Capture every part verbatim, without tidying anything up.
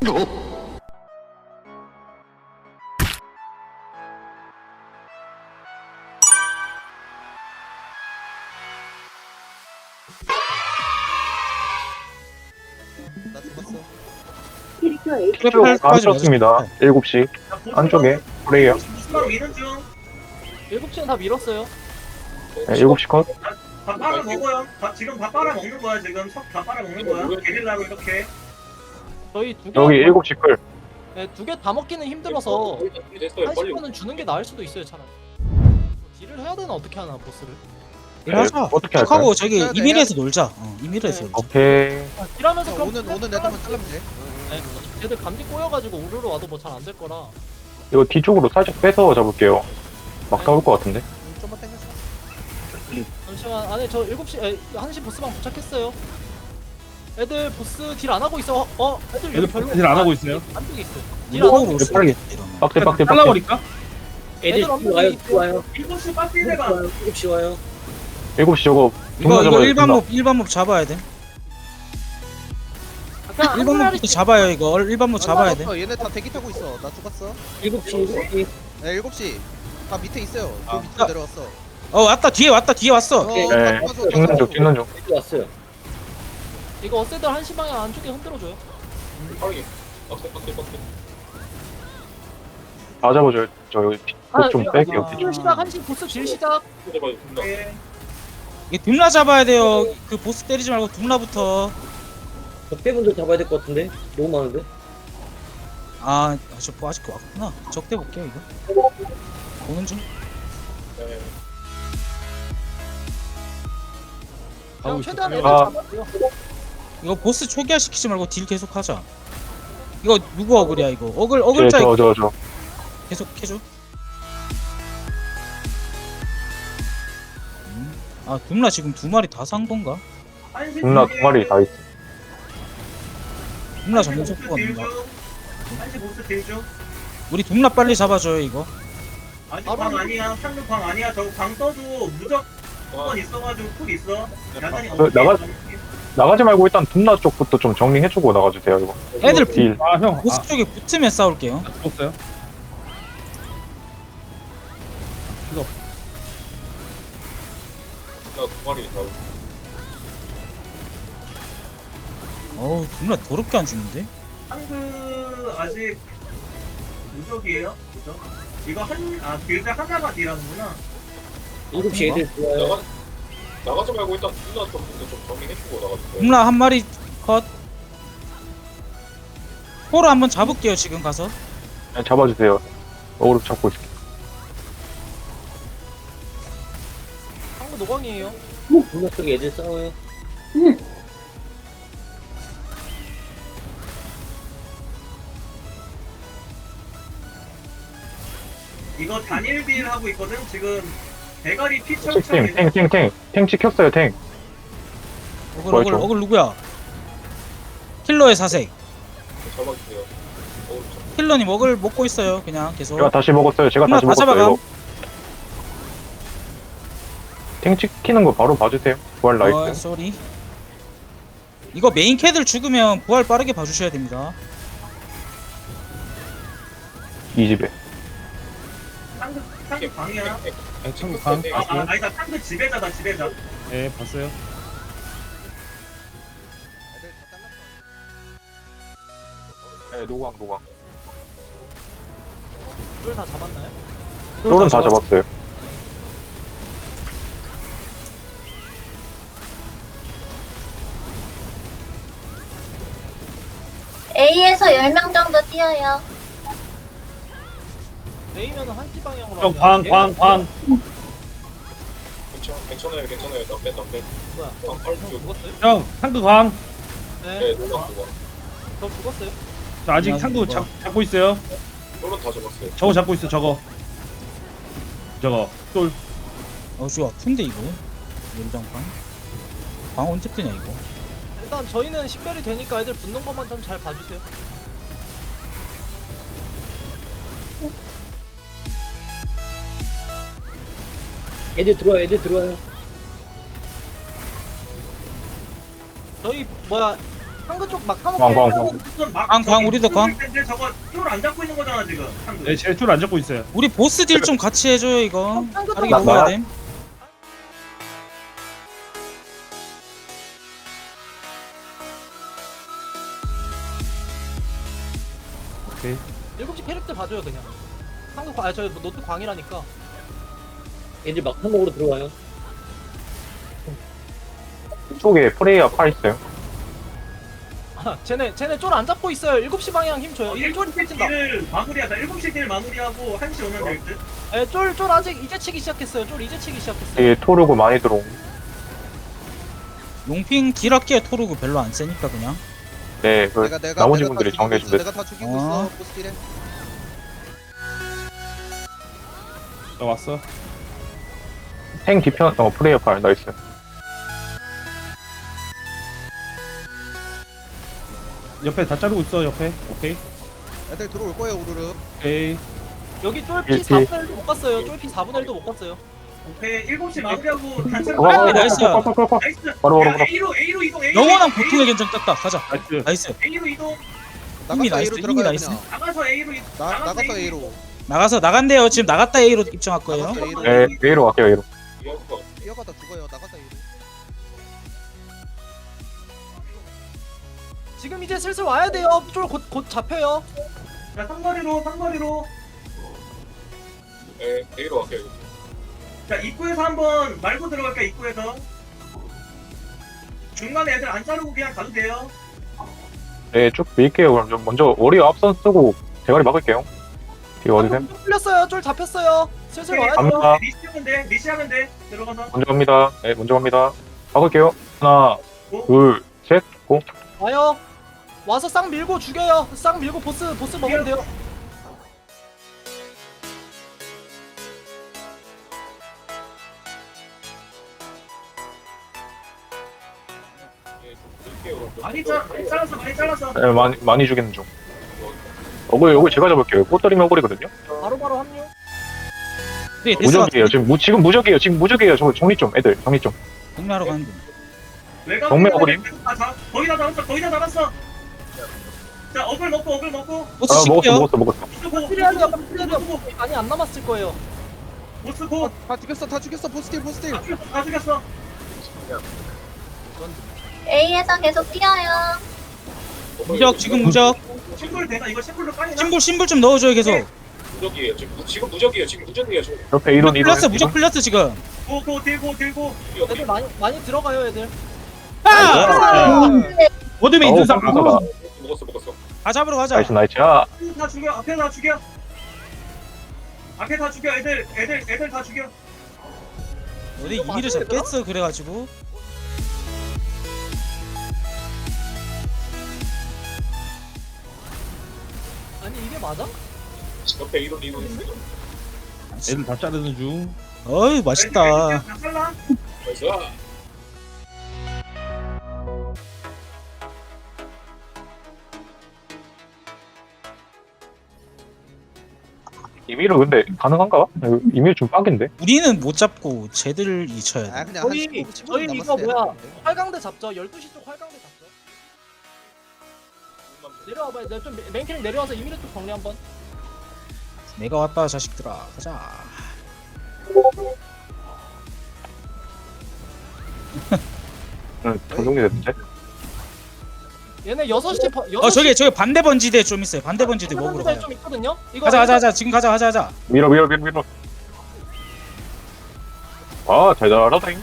나 죽었어. 쭉 감췄습니다. 일곱 시 안쪽에 프레이어. 수박 미는 중. 일곱 시는 다 밀었어요. 네, 일곱 시 컷. 밥 빨아 먹어요. 밥 지금 밥 빨아 먹는 거야 지금. 석 밥 빨아 먹는 거야. 게릴라로 이렇게. 저희 두 개, 여기 일곱 시 끌. 네, 두 개 다 먹기는 힘들어서 됐어요. 한 빨리. 시간은 주는 게 나을 수도 있어요, 차라리. 딜을 해야 되나 어떻게 하나 보스를? 일하자. 어떻게 할까요? 하고 저기 해야 돼, 이밀에서 놀자. 어, 이밀에서 네. 놀자. 오케이. 딜하면서 어, 그럼 오는 오는 애들만 잘라면 돼. 네, 쟤들 감기 꼬여가지고 우르르 와도 뭐 잘 안 될 거라. 이거 뒤쪽으로 살짝 빼서 잡을게요. 막 나올 것 같은데. 음, 좀만 당겨줘. 잠시만, 안에 저 일곱 시, 에, 한 시 보스방 도착했어요. 애들 보스 딜 안 하고 있어. 어, 어 애들 애들 별로 딜안 하고 있어요? 안쪽에 있어. 딜 안 하고 무거우로 있어. 써야겠다 이러면. 빡대 빡대 빡대. 잘라버릴까? 애들 와요. 없는 와요. 일곱 시 빠지네가. 일곱 시 와요. 일곱 시 저거 이거 존나 이거 잡아야 일반 된다. 몹 일반 몹 잡아야 돼. 그냥 일반 몹부터 잡아요 이거. 일반 몹 잡아야 돼. 어, 얘네 다 대기 타고 있어. 나 죽었어. 일곱 시 일곱 시. 네, 일곱 시. 다 밑에 있어요. 저 아. 밑으로 내려왔어. 어 왔다 뒤에 왔다 뒤에 왔어. 어, 네, 다 네. 죽었어, 다 찍는 중 죽었어. 찍는 중. 여기 왔어요. 이거 어세들 한 시 방향 안쪽에 흔들어줘요. 빠르게. 빡세 빡세 빡세. 다 잡아줘요. 저 여기 좀 뺄게요. 아. 딜 시작, 한 시 보스 딜 시작. 잡아요. 금방. 네. 이게 둠라 잡아야 돼요. 그 보스 때리지 말고 둠라부터. 적대분들 잡아야 될 것 같은데 너무 많은데. 아, 저 뭐 아직 왔구나. 적대 볼게요 이거. 보는 중. 네. 그냥 최대한 애들 아. 잡아줘요. 이거 보스 초기화 시키지 말고 딜 계속 하자. 이거 누구 어글이야 이거? 어글 어글자 네, 저 저 저. 계속 해줘. 음. 아 둠라 지금 두 마리 다 산 건가? 한시 존나 두 마리 다 있어. 둠라 전문 속도가 없는가? 한시 보스 딜 중. 우리 둠라 빨리 잡아줘요 이거. 아직 바로 광 아니야. 상대 광 아니야. 저거 광 떠도 무적 한번 있어가지고 쿨 있어. 야단이 어, 나가- 나가지 말고 일단 둠나 쪽부터 좀 정리해주고 나가주세요 이거. 애들 딜. 아, 형. 보스 아, 쪽에 붙으면 싸울게요. 죽었어요? 나두 마리 다. 어우 둠라 더럽게 안 죽는데? 한그 아직 무적이에요. 그죠? 이거 한아 길드 하나가 딜하는구나. 일곱 시 애들 좋아요. 나가 나가지 말고 일단 누나 좀 근데 좀 정리해주고 나가주세요. 둠라 한 마리 컷. 포로 한번 잡을게요 지금 가서. 네, 잡아주세요. 어그로 잡고 있을게. 상부 노광이에요. 분노 쪽에 애들 싸워요. 이거 단일 딜 하고 있거든. 지금 대가리 피처 탱, 탱, 탱, 탱. 탱 찍혔어요, 탱. 어글 뭐야, 어글 저거? 어글 누구야? 킬러의 사색. 잡아주세요. 어, 좀 킬러님 어글 먹고 있어요 그냥 계속. 제가 다시 먹었어요. 제가 둠라 다시 다 먹었어요, 잡아가. 이거. 탱 찍히는 거 바로 봐주세요. 부활 어, 나이스. 쏘리. 이거 메인 캐들 죽으면 부활 빠르게 봐주셔야 됩니다. 이 집에. 상대 상대 광이야. 아, 참고 강. 아, 아 아니다. 상대 지배자다 지배자. 네, 봤어요. 애들 다 잘랐어. 네, 노광, 노광. 둘 다 잡았나요? 쫄은 다 잡았어요. A에서 열 명 정도 뛰어요. A면은 한 시 방향으로. 형, 하면 광, 얘가 광, 광. 괜찮 괜찮아요 괜찮아요. 나빼 나빼. 뭐야? 광 빨리 형 쭉. 죽었어요? 형, 상구 광. 네. 네, 누나 그거. 저 죽었어요. 저 아직 야, 상구 이거. 잡, 잡고 있어요. 쫄은 다 잡았어요. 저거 잡고 있어, 저거. 저거. 쫄. 어, 저 아픈데 이거. 연장방. 방 언제 뜨냐 이거. 일단 저희는 식별이 되니까 애들 붙는 것만 좀 잘 봐주세요. 애들 들어와요. 애들 들어와요. 저희 뭐야 한근 쪽 막타먹게. 광, 광, 광. 광, 광, 우리도 광. 근데 저거 쫄안 잡고 있는 거잖아 지금. 상대. 네, 제 줄 안 잡고 있어요. 우리 보스 딜 좀 같이 해줘요 이거. 한근 빠르게 나- 먹어야 나- 됨. 오케이. 일곱 시 캐릭터 봐줘요 그냥. 한근 광, 아저 노트 광이라니까. 애들 막타 먹으러 들어와요. 이쪽에 프레이어 파 있어요. 아, 쟤네 쟤네 쫄 안 잡고 있어요. 일곱 시 방향 힘 줘요. 일 쫄이 일곱 시 펼친다. 딜 마무리하자. 일곱 시 딜 마무리하고 한 시 오면 될 듯. 예, 쫄, 쫄 아직 이제 치기 시작했어요. 쫄 이제 치기 시작했어요. 이게 토르고 많이 들어옴. 용핑 딜 할게. 토르고 별로 안 세니까 그냥. 네, 그 내가 내가 나머지 내가 분들이 다 정리해 죽이고 주면 있어. 내가 다 죽이고 어. 있어. 보스딜에. 나 왔어. 탱 뒤편 어 프레이어 파 나이스. 옆에 다 자르고 있어, 옆에. 오케이. 애들 들어올 거예요 우르르. 오케이. 여기 쫄피 일피. 사분의 일도 못 갔어요. 쫄피 사분의 일도 못 갔어요. 오케이 일곱 시 마무리하고 단체. 와, 와, 와, 나이스. 와, 와, 와, 와, 와. 나이스. 바로, 바로, 야, 바로. A로 A로 이동. A로 영원한 이동, 고통의 견적 떴다. 가자. 나이스. 나이스. A로 이동. 이미 나가서 나이스, A로 이미 들어가요 나이스. 그냥. 나가서 A로 이동. 나 나가서 A로. 나가서 나간대요. 지금 나갔다 A로 입장할 거예요. 나가서 A로. 네, A로 갈게요 A로. 이어서 뛰어가다 죽어요. 나가서 A로. 지금 이제 슬슬 와야 돼요. 쫄 곧 곧 잡혀요. 자 삼거리로 삼거리로. 에 A로 갈게요. 자 입구에서 한번 말고 들어갈까 입구에서. 중간에 애들 안 자르고 그냥 가도 돼요. 네, 쭉 밀게요. 그럼 좀 먼저 워리어 앞선 쓰고 대가리 막을게요. 뒤에 어디세요? 쫄 풀렸어요. 쫄 잡혔어요. 슬슬 와야 돼요. 갑니다. 리시하면 돼. 리시하면 돼. 들어가서. 먼저 갑니다. 네, 먼저 갑니다. 막을게요. 하나, 고. 둘, 셋, 고. 와요. 와서 쌍 밀고 죽여요. 쌍 밀고 보스 보스 먹으면 돼요. 많이 잘 많이 잘랐어. 많이 잘랐어. 네, 많이 많이 죽이는 중. 어글 어글 제가 잡을게요. 꽃다리면 어글이거든요. 바로 바로 합류. 네, 됐어. 무적이에요. 지금 무 지금 무적이에요. 지금 무적이에요. 저 정리 좀 애들 정리 좀. 동료하러 가는 중. 외곽 정면 어그림. 다 잡. 거의 다 잡았어. 거의 다 잡았어. 자 어글 먹고 어글 먹고. 보스 아 먹었어 칠게요. 먹었어 먹었어. 보스 고. 필요하죠. 보스 고. 필요하죠. 보스 고. 많이 안 남았을 거예요. 보스 고. 다 죽였어. 다 죽였어. 보스딜 보스딜. 다 죽였어. 다 죽였어. A에서 계속 뛰어요. 무적 지금 무적. 심불 되나? 이거 심불로 까이나? 심볼 심볼 좀 넣어줘요 계속. 무적이에요. 지금 무- 지금 무적이에요. 지금 무적이에요. 지금 옆에 이론 이론. 풀렸어 무적 풀렸어 지금. 고고 들고 들고. 애들 많이 많이 들어가요, 애들. 아! 어둠의 어우, 인증상. 깜짝아. 먹었어 먹었어. 다 잡으러 가자. 나이스 나이스. 아, 다 죽여. 앞에 다 죽여. 앞에 다 죽여. 애들 애들 애들 다 죽여. 어디 이미를 잡겠어 그래가지고. 아니 이게 맞아? 옆에 이론 이론 있어요. 애들 다 자르는 중. 어이 맛있다. 다 잘라. 나이스. 이미를 근데 가능한가? 이미 좀 빡인데. 우리는 못 잡고 쟤들이 쳐야 아 돼. 그냥 저희- 한 십오 분, 십오 분 저희 이거 남았어요. 뭐야? 활강대 잡죠. 열두 시 쪽 활강대 잡죠. 내려와봐요. 내가 좀 메인 캐릭 내려와서 이미를 좀 정리 한번. 내가 왔다 자식들아. 가자. 응, 정정리됐는데. 얘네 여섯 시 버, 어 저기 저기 반대 번지대 좀 있어요. 반대 번지대 먹으러 가요. 좀 있거든요. 이거 가자 가자 가자. 지금 가자 가자 가자. 밀어 밀어 밀어 밀어. 아, 잘 잘하다잉.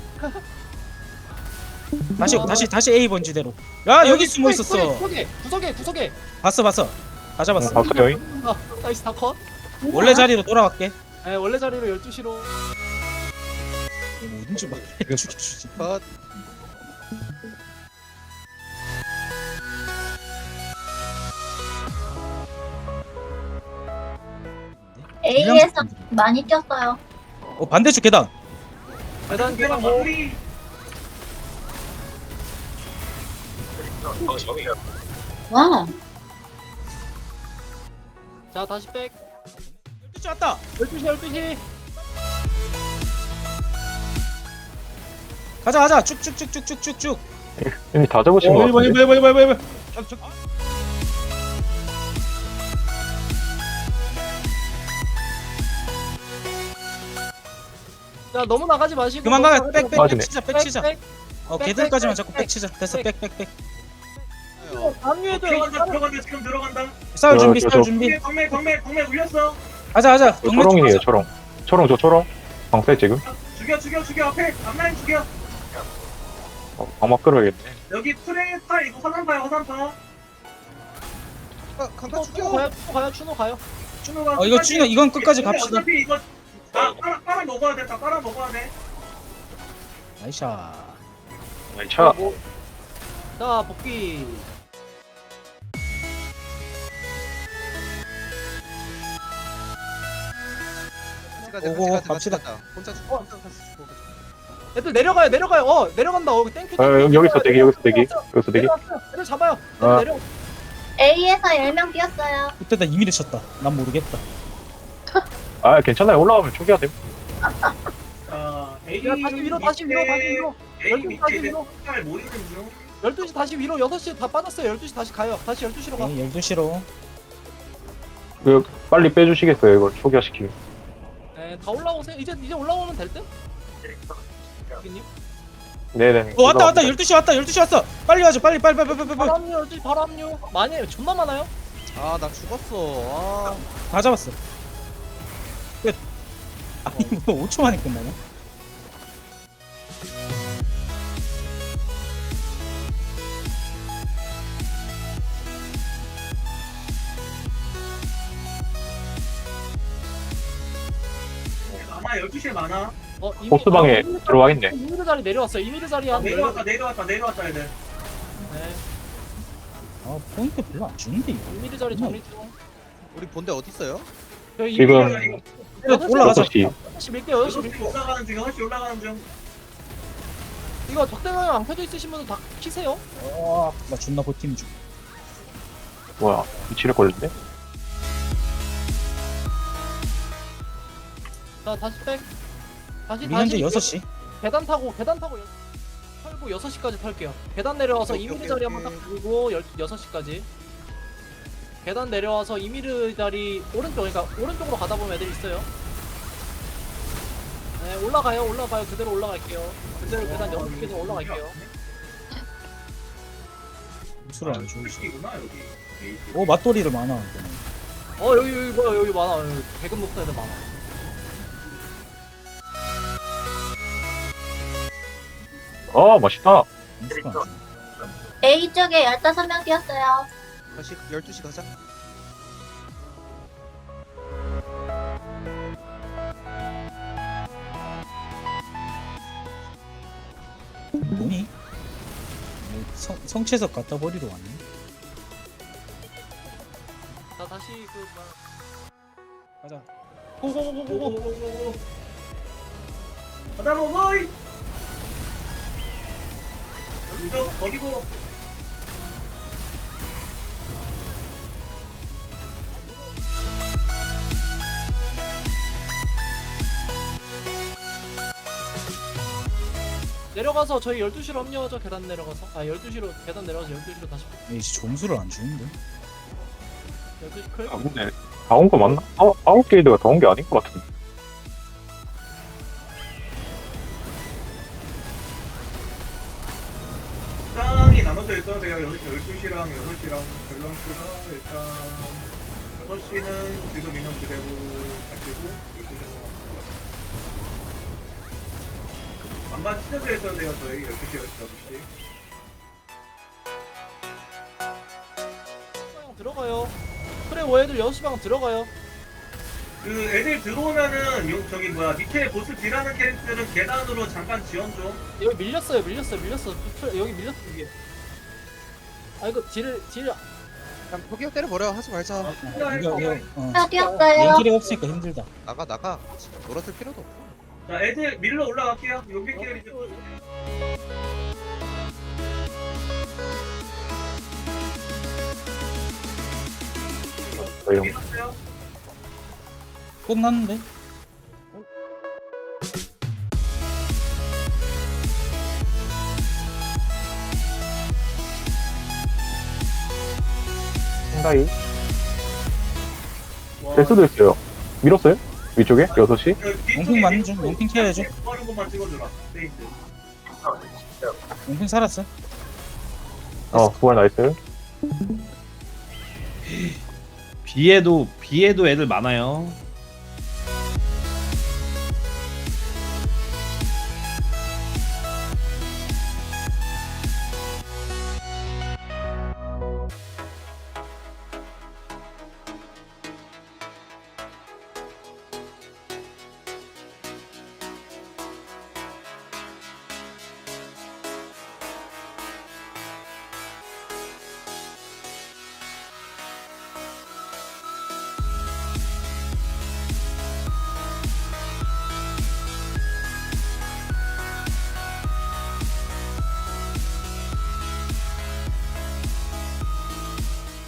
다시 다시 다시 A 번지대로. 야 여기 숨어 있었어. 구석에 구석에 구석에. 봤어 봤어. 다 잡았어. 봤어요. 아 나이스 다 컷. 원래 자리로 돌아갈게. 네 원래 자리로 열두 시로. 뭐든지 막 죽여주지. 컷. A에서 많이 뛰었어요. 어 반대쪽 계단. 계단 내가 계단 뭐. 마무리. 아 정이. 와. 자 다시 백. 열두 시 왔다. 열두 시 열두 시. 가자 가자. 쭉쭉쭉쭉쭉쭉쭉. 이미 다 잡으신 것 어, 일 번, 일 같은데? 번, 일 번, 일 번, 일 번. 저, 저, 자 너무 나가지 마시고. 그만 가. 백, 백, 백 맞으네. 치자, 백 치자. 백, 어, 백, 걔들까지만 백, 자꾸 백, 백 치자. 됐어, 백, 백, 백. 백. 방류에도 들어간다 들어간다 지금 들어간다. 싸울 저, 준비, 저, 싸울 저. 준비. 경매 경매 경매 울렸어. 가자, 가자. 저 경매 쪽 초롱이에요, 가자. 초롱. 초롱, 저 초롱. 방세 지금? 죽여 죽여 죽여 앞에 앞라인 죽여. 어, 방막 끌어야겠네. 여기 프레이 팔 이거 화산파야 화산파. 아, 강타 추노 죽여. 가요. 추노 가요. 추노 가요. 준호가 어, 이거 준호, 이건 끝까지 근데 갑시다. 어차피 이거 아 빨아 빨아 먹어야 돼. 다 빨아 먹어야 돼. 나이샤. 차. 자 복귀. 같이 가자, 오고, 같이 가자, 같이 갑시다. 가자. 혼자 죽어, 혼자 가서 죽어. 애들 내려가요. 내려가요. 어 내려간다. 어 땡큐. 어, 여기, 여기서 대기, 여기서 대기. 여기서 대기. 내려왔어요. 애들 잡아요. 애들 아. 내려. A에서 열 명 뛰었어요. 그때 나 이미를 쳤다. 난 모르겠다. 아, 괜찮아요. 올라가면 초기화 돼. 자 A 야 다시 위로 다시 위로 다시 위로. A 열두 시 다시 밑에 위로. 팔 모이는 중. 열두 시 다시 위로. 여섯 시 다 빠졌어요. 열두 시 다시 가요. 다시 열두 시로 가. 네, 열두 시로. 그, 빨리 빼주시겠어요, 이걸 초기화 시키면. 네, 다 올라오세요. 이제 이제 올라오면 될 듯? 여기님. 네네. 어, 왔다, 왔다. 열두 시 왔다. 열두 시 왔어. 빨리 와줘. 빨리, 빨리, 빨리, 빨리, 빨리. 바로 합류 열두 시 바로 합류. 많이 해요. 존나 많아요. 아, 나 죽었어. 아, 다 잡았어. 끝. 아니, 뭐 오 초 만에 끝나냐? 아마 열두 시에 많아. 어, 이미 보스방에 아, 이미르 들어와 있네. 이미르 자리 내려왔어요. 이미르 자리 한 내려왔다 내려왔다 내려왔다 애들. 네. 아, 포인트 별로 안 주는데, 이거. 이미르 자리 정리 중. 우리 본대 어디 있어요? 저희 지금 올라가자. 여섯 시. 여섯 시 밀게요. 여섯 시 여섯 시 밀게요. 올라가는 중 여섯 시 올라가는 중. 이거 적대방향 안 켜져 있으신 분들 다 키세요. 와, 나 존나 버팀 중. 뭐야, 위치를 걸렸네? 자, 다시 백. 다시 우리 현재 다시 여섯 시. 계단 타고 계단 타고 여- 털고 여섯 시까지 털게요. 계단 내려와서 오케이, 이미르 오케이, 자리 오케이. 한번 딱 들고 여섯 시까지. 계단 내려와서 이미르 자리 오른쪽 그러니까 오른쪽으로 가다 보면 애들 있어요. 네, 올라가요. 올라가요. 그대로 올라갈게요. 그대로 계단 여섯 개 계단 올라갈게요. 술을 안 줘. 시이구나 여기. 오, 맞돌이를 많아. 어, 여기 여기 뭐야? 여기 많아. 여기 대금 높은 애들 많아. 어, 맛있다. 술을 안 줘. A 쪽에 열다섯 명 뛰었어요. 다시 열두 시 가자. 뭐니? 뭐 성, 성채석 갖다 버리러 왔네. 자, 다시 그 뭐야. 가자. 고고고고고. 오오오오오. 가다 먹어이. 이거 버리고. 내려가서 저희 열두 시로 합류하죠. 계단 내려가서. 아, 열두 시로 계단 내려가서 열두 시로 다시. 에이씨, 점수를 안 주는데. 열두 시 클. 아, 근데, 다 온 거 맞나? 아, 아웃 게이드가 다 온 게 아닌 것 같은데. 땅이 나눠져 있어야 돼요. 여기 열두 시랑 여섯 시랑 밸런스가 일단 여섯 시는 지금 인원 그대로 가지고 열두 시는 반반 찢어져 있어야 돼요. 저희 열두 시, 여섯 시. 방향 들어가요. 그래, 워애들 여섯 시 방 들어가요. 그 애들 들어오면은 요 저기 뭐야 밑에 보스 딜하는 캐릭터들은 계단으로 잠깐 지원 좀. 여기 밀렸어요. 밀렸어요. 밀렸어. 그 여기 밀렸어 이게. 아 이거 딜을 딜 그냥 포기하고 때려버려. 하지 말자. 이거, 이거, 어. 다 뛰었어요. 연길이 없으니까 힘들다. 나가, 나가. 놀아줄 필요도 없고. 자 애들 밀러 올라갈게요. 용객 계열이 좀. 형. 밀었어요. 끝났는데? 킹다이. 와, 될 수도 있어요. 밀었어요? 위쪽에? 여섯 시? 용핑 맞는 중. 용핑 켜야죠. 빠른 것만 찍어주라. 세이트. 용핑 살았어. 어, 부활 나이스. 비에도 비에도 애들 많아요.